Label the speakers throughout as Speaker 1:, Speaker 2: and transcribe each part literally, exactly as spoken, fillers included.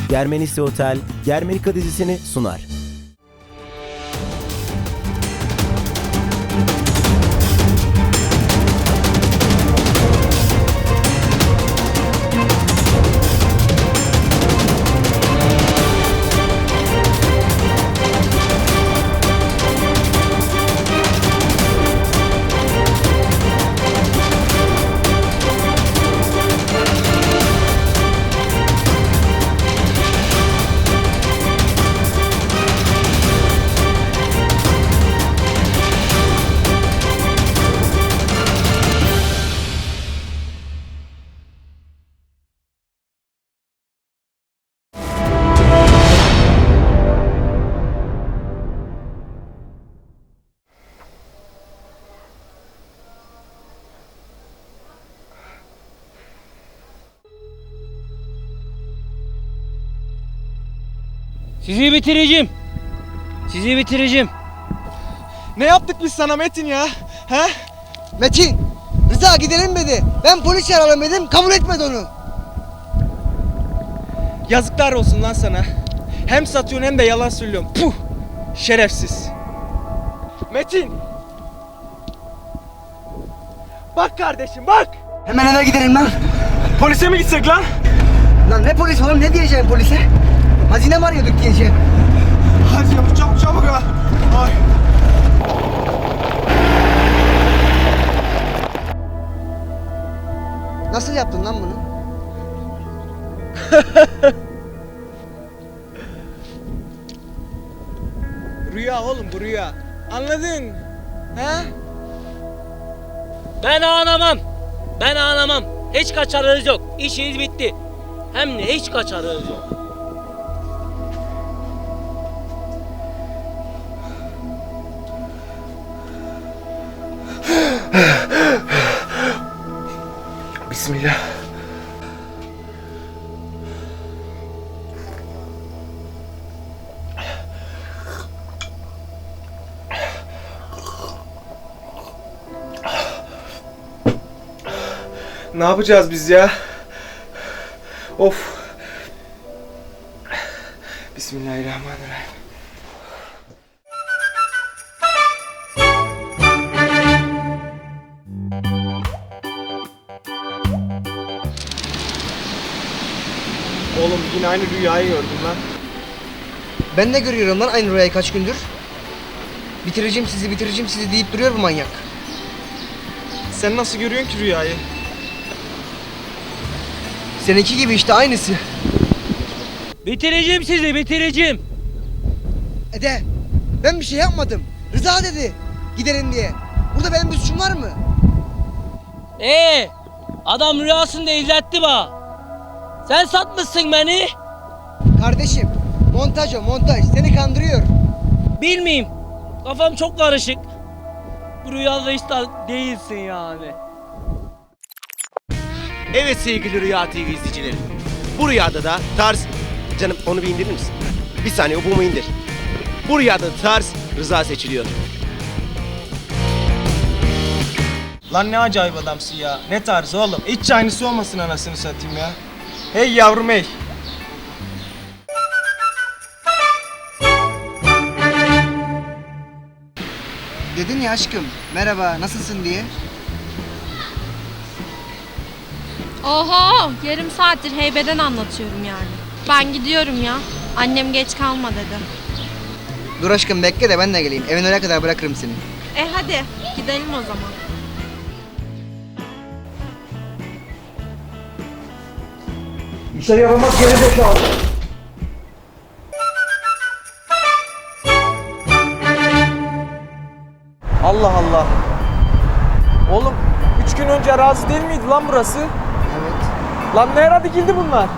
Speaker 1: Germenisi Otel, Germenika dizisini sunar.
Speaker 2: Sizi bitireceğim. Sizi bitireceğim.
Speaker 3: Ne yaptık biz sana Metin ya? He?
Speaker 4: Metin, Rıza gidelim dedi. Ben polis çağıralım dedim, kabul etmedi onu.
Speaker 3: Yazıklar olsun lan sana. Hem satıyorsun hem de yalan söylüyorsun. Puh! Şerefsiz. Metin! Bak kardeşim bak!
Speaker 4: Hemen eve gidelim lan.
Speaker 3: Polise mi gitsek lan?
Speaker 4: Lan ne polis oğlum, ne diyeceğim polise? Hazine mi arıyorduk diyeceğim.
Speaker 3: Hadi çabuk çabuk çabuk ha. Ay.
Speaker 4: Nasıl yaptın lan bunu?
Speaker 3: Rüya oğlum bu rüya. Anladın? He?
Speaker 2: Ben ağlamam. Ben ağlamam. Hiç kaçarınız yok. İşiniz bitti. Hem de hiç kaçarınız yok.
Speaker 3: Bismillah. Ne yapacağız biz ya? Of. Bismillahirrahmanirrahim. Oğlum yine aynı rüyayı gördüm lan.
Speaker 4: Ben de görüyorum lan aynı rüyayı kaç gündür. Bitireceğim sizi, bitireceğim sizi deyip duruyor bu manyak.
Speaker 3: Sen nasıl görüyorsun ki rüyayı?
Speaker 4: Seninki gibi işte, aynısı.
Speaker 2: Bitireceğim sizi, bitireceğim.
Speaker 4: Ede, ben bir şey yapmadım. Rıza dedi, gidelim diye. Burada benim bir suçum var mı?
Speaker 2: Ee, adam rüyasında izletti bana. Sen satmışsın beni.
Speaker 4: Kardeşim, montaj o, montaj. Seni kandırıyor.
Speaker 2: Bilmeyeyim. Kafam çok karışık. Bu rüyada hiç de değilsin yani.
Speaker 1: Evet sevgili Rüya T V izleyicileri. Bu rüyada da tarz... Canım onu bir indirir misin? Bir saniye, o bumu indir. Bu rüyada tarz Rıza seçiliyor.
Speaker 3: Lan ne acayip adamsın ya. Ne tarzı oğlum. Hiç aynısı olmasın anasını satayım ya. Hey yavrum hey.
Speaker 4: Dedin ya aşkım, merhaba, nasılsın diye.
Speaker 5: Oho, yarım saattir heybeden anlatıyorum yani. Ben gidiyorum ya. Annem geç kalma dedi.
Speaker 4: Dur aşkım bekle de ben de geleyim. Evin oraya kadar bırakırım seni.
Speaker 5: E hadi gidelim o zaman.
Speaker 4: İşleri yapamaz geri zekalı.
Speaker 3: Allah Allah. Oğlum üç gün önce arazi değil miydi lan burası?
Speaker 4: Evet.
Speaker 3: Lan ne ara dikildi bunlar?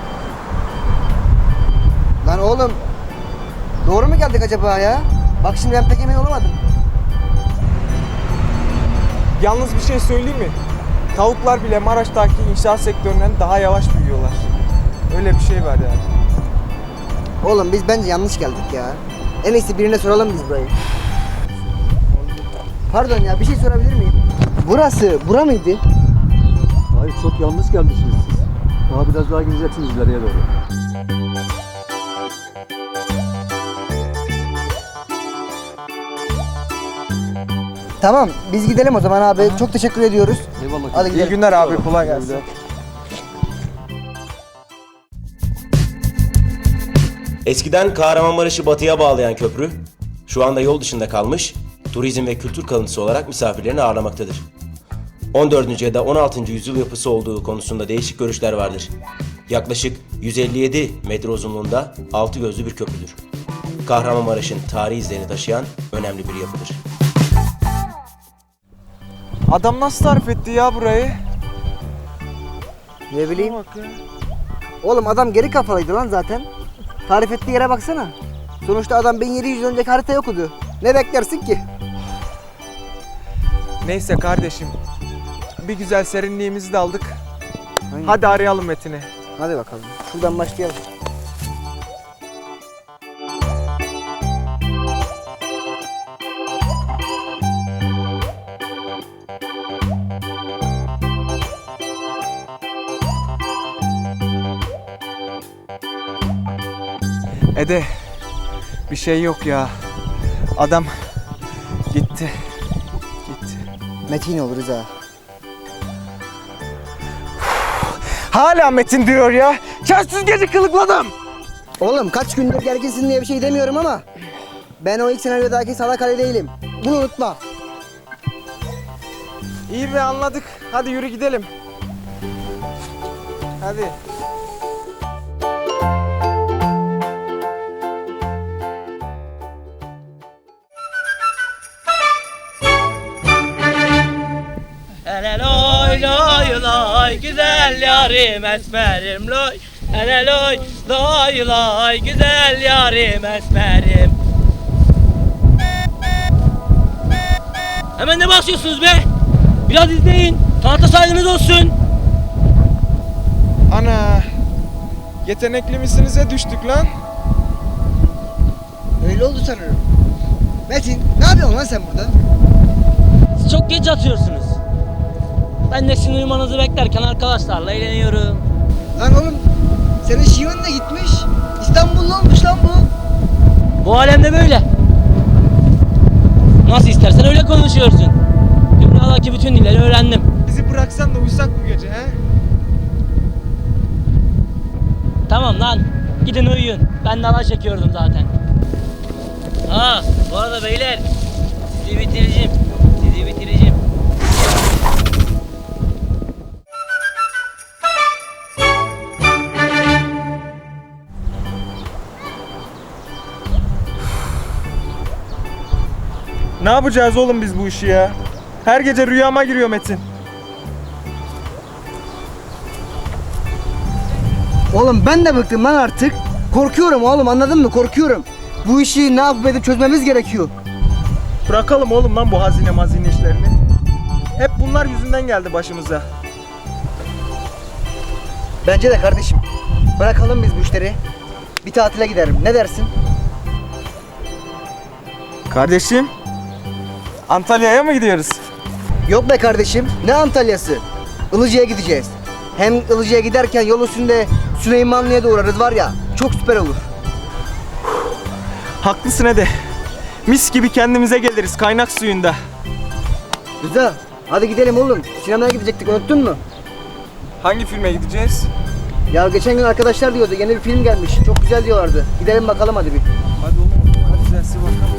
Speaker 4: Lan oğlum, doğru mu geldik acaba ya? Bak şimdi ben pek emin olamadım.
Speaker 3: Yalnız bir şey söyleyeyim mi? Tavuklar bile Maraş'taki inşaat sektöründen daha yavaş büyüyorlar. Öyle bir şey var yani.
Speaker 4: Oğlum biz bence yanlış geldik ya. En iyisi birine soralım biz burayı. Pardon ya, bir şey sorabilir miyim? Burası, bura mıydı?
Speaker 6: Hayır, çok yanlış gelmişsiniz siz. Daha biraz daha gideceksiniz ileriye doğru.
Speaker 4: Tamam biz gidelim o zaman abi. Çok teşekkür ediyoruz.
Speaker 1: Eyvallah.
Speaker 4: Hadi
Speaker 3: İyi
Speaker 4: gidelim.
Speaker 3: günler abi, kolay gelsin.
Speaker 6: Eskiden Kahramanmaraş'ı batıya bağlayan köprü, şu anda yol dışında kalmış, turizm ve kültür kalıntısı olarak misafirlerini ağırlamaktadır. on dördüncü ya da on altıncı yüzyıl yapısı olduğu konusunda değişik görüşler vardır. Yaklaşık yüz elli yedi metre uzunluğunda altı gözlü bir köprüdür. Kahramanmaraş'ın tarihi izlerini taşıyan önemli bir yapıdır.
Speaker 3: Adam nasıl tarif etti ya burayı?
Speaker 4: Ne bileyim.
Speaker 3: Bak ya.
Speaker 4: Oğlum adam geri kafalıydı lan zaten. Tarif ettiği yere baksana. Sonuçta adam bin yedi yüz yıl önceki haritayı okudu. Ne beklersin ki?
Speaker 3: Neyse kardeşim. Bir güzel serinliğimizi de aldık.
Speaker 4: Aynen.
Speaker 3: Hadi arayalım Metin'i.
Speaker 4: Hadi bakalım. Şuradan başlayalım.
Speaker 3: Ede, bir şey yok ya. Adam gitti. Gitti.
Speaker 4: Metin olur Rıza.
Speaker 3: Hala Metin diyor ya. Çarsız gece kılıkladım.
Speaker 4: Oğlum kaç gündür gerginsin diye bir şey demiyorum ama ben o ilk senaryodaki salak Ali değilim. Bunu unutma.
Speaker 3: İyi be, anladık. Hadi yürü gidelim. Hadi.
Speaker 2: Hele loy loy loy güzel yarim esmerim loy. Hele loy loy loy güzel yarim esmerim. Hemen ne basıyorsunuz be? Biraz izleyin. Sanata saygınız olsun.
Speaker 3: Ana. Yetenekli misinize düştük lan.
Speaker 4: Öyle oldu sanırım. Metin ne yapıyorsun lan sen burada?
Speaker 2: Siz çok geç yatıyorsunuz. Ben de sizin uyumanızı beklerken arkadaşlarla eğleniyorum.
Speaker 4: Lan oğlum senin şiven de gitmiş. İstanbullu olmuş lan bu.
Speaker 2: Bu alemde böyle. Nasıl istersen öyle konuşuyorsun. Dünyadaki bütün dilleri öğrendim.
Speaker 3: Bizi bıraksan da uyusak bu gece he?
Speaker 2: Tamam lan. Gidin uyuyun. Ben de alay çekiyordum zaten. Ha, bu arada beyler. Sizi bitireceğim. Sizi bitireceğim.
Speaker 3: Ne yapacağız oğlum biz bu işi ya? Her gece rüyama giriyor Metin.
Speaker 4: Oğlum ben de bıktım lan artık. Korkuyorum oğlum, anladın mı? Korkuyorum. Bu işi ne yapıp edip çözmemiz gerekiyor.
Speaker 3: Bırakalım oğlum lan bu hazine mazine işlerini. Hep bunlar yüzünden geldi başımıza.
Speaker 4: Bence de kardeşim. Bırakalım biz bu işleri. Bir tatile giderim. Ne dersin?
Speaker 3: Kardeşim, Antalya'ya mı gidiyoruz?
Speaker 4: Yok be kardeşim. Ne Antalya'sı? Ilıca'ya gideceğiz. Hem Ilıca'ya giderken yol üstünde Süleymanlı'ya da uğrarız var ya. Çok süper olur.
Speaker 3: Haklısın Ede. Mis gibi kendimize geliriz kaynak suyunda.
Speaker 4: Rıza, hadi gidelim oğlum. Sinemaya gidecektik, unuttun mu?
Speaker 3: Hangi filme gideceğiz?
Speaker 4: Ya geçen gün arkadaşlar diyordu, yeni bir film gelmiş. Çok güzel diyorlardı. Gidelim bakalım hadi bir.
Speaker 3: Hadi oğlum, hadi güzelsi bakalım.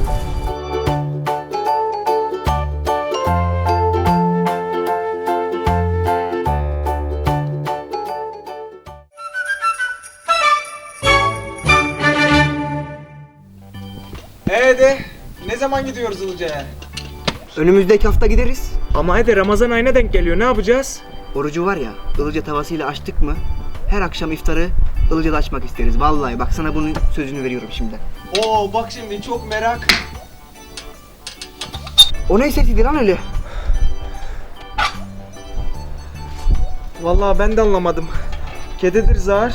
Speaker 3: Ee de, ne zaman gidiyoruz Ilıca'ya?
Speaker 4: Önümüzdeki hafta gideriz.
Speaker 3: Ama Ede, Ramazan ayına denk geliyor, ne yapacağız?
Speaker 4: Orucu var ya, Ilıca tavasıyla açtık mı her akşam iftarı Ilıca'da açmak isteriz. Vallahi bak sana bunun sözünü veriyorum şimdi.
Speaker 3: Oo bak şimdi çok merak.
Speaker 4: O ne sesiydi lan öyle?
Speaker 3: Vallahi ben de anlamadım. Kedidir zar.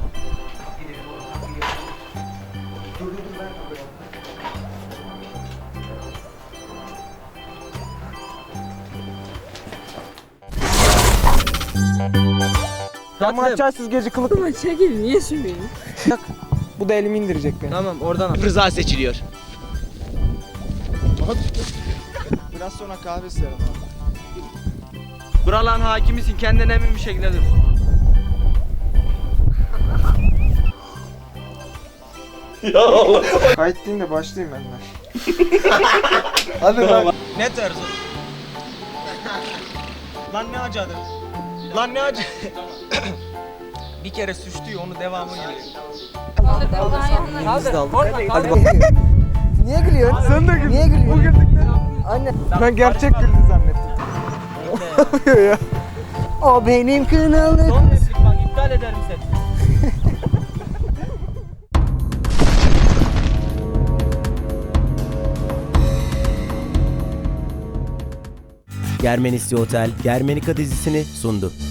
Speaker 3: Ama açarsız gece kılık.
Speaker 7: Ama çekil niye söylüyorsun?
Speaker 3: Bak, bu da elimi indirecek beni.
Speaker 2: Tamam oradan al.
Speaker 1: Rıza seçiliyor.
Speaker 3: Biraz sonra kahve isterim abi.
Speaker 7: Buraların hakimisin, kendine emin bir şekilde dur.
Speaker 3: Kayıt değil de başlayayım ben de. Hadi lan.
Speaker 7: Ne tarzı? Lan ne acıdı? Lan ne acı? Bir kere suçluyor, onu devamı geliyor.
Speaker 4: Biz de aldık. Hadi bak. Niye gülüyorsun?
Speaker 3: Sen de güldün.
Speaker 4: Niye gülüyorsun?
Speaker 3: Bu güldükten.
Speaker 4: Anne.
Speaker 3: Ben gerçek güldü zannettim. Ne yapıyor ya?
Speaker 4: O benim kınalı.
Speaker 2: Son replik bak, iptal ederim seni.
Speaker 6: Germenisli Otel, Germenika dizisini sundu.